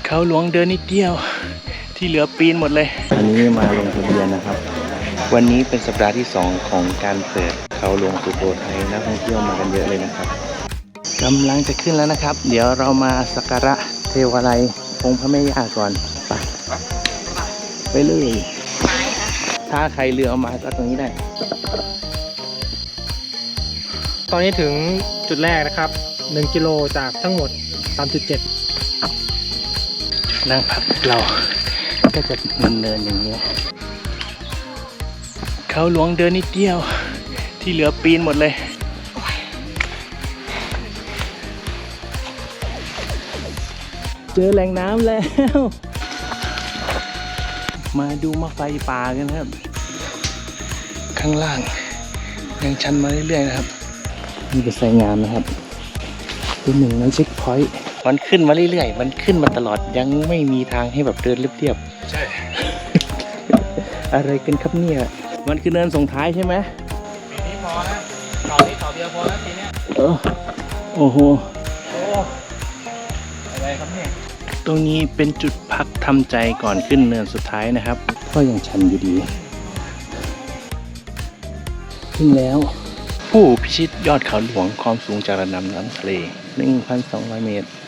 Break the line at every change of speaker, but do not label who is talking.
เขาหลวงเดินนิดเดียวที่เหลือปีนหมดเลยอันนี้มาลงทะเบียนนะครับวันนี้เป็นสัปดาห์ที่2ของการเปิดเขาหลวงสุโขทัยนักท่องเที่ยวมากันเยอะเลยนะครับกำลังจะขึ้นแล้วนะครับเดี๋ยวเรามาสักการะเทวาลัยองค์พระแม่ย่าก่อนไปเลยถ้าใครเรือเอามาก็ตรงนี้ได้
ตอนนี้ถึงจุดแรกนะครับ1 กิโลจากทั้งหมด 3.7
นั่งพักเราก็จะเนินอย่างนี้เขาหลวงเดินนิดเดียวที่เหลือปีนหมดเลยเจอแหล่งน้ำแล้วมาดูมะไฟป่ากันครับข้างล่างยังชันมาเรื่อยๆนะครับนี่เป็นไซงามนะครับเป็นหนึ่งในเช็คพอยต์มันขึ้นมาเรื่อยๆมันขึ้นมาตลอดยังไม่มีทางให้แบบเดินเรียบๆใช่ อะไรกันครับเนี่ยมันคือเนินส่งท้ายใช่ไหม
ปีนี้พอนะเขาที่เขาเดียวพอแล้วปีนี้
โอ้โห
อะไรครับเนี่ย
ตรงนี้เป็นจุดพักทำใจก่อนขึ้นเนินสุดท้ายนะครับก็ยังชันอยู่ดีขึ้นแล้วผู้พิชิตยอดเขาหลวงความสูงจากระดับน้ำทะเล 1,200 เมตร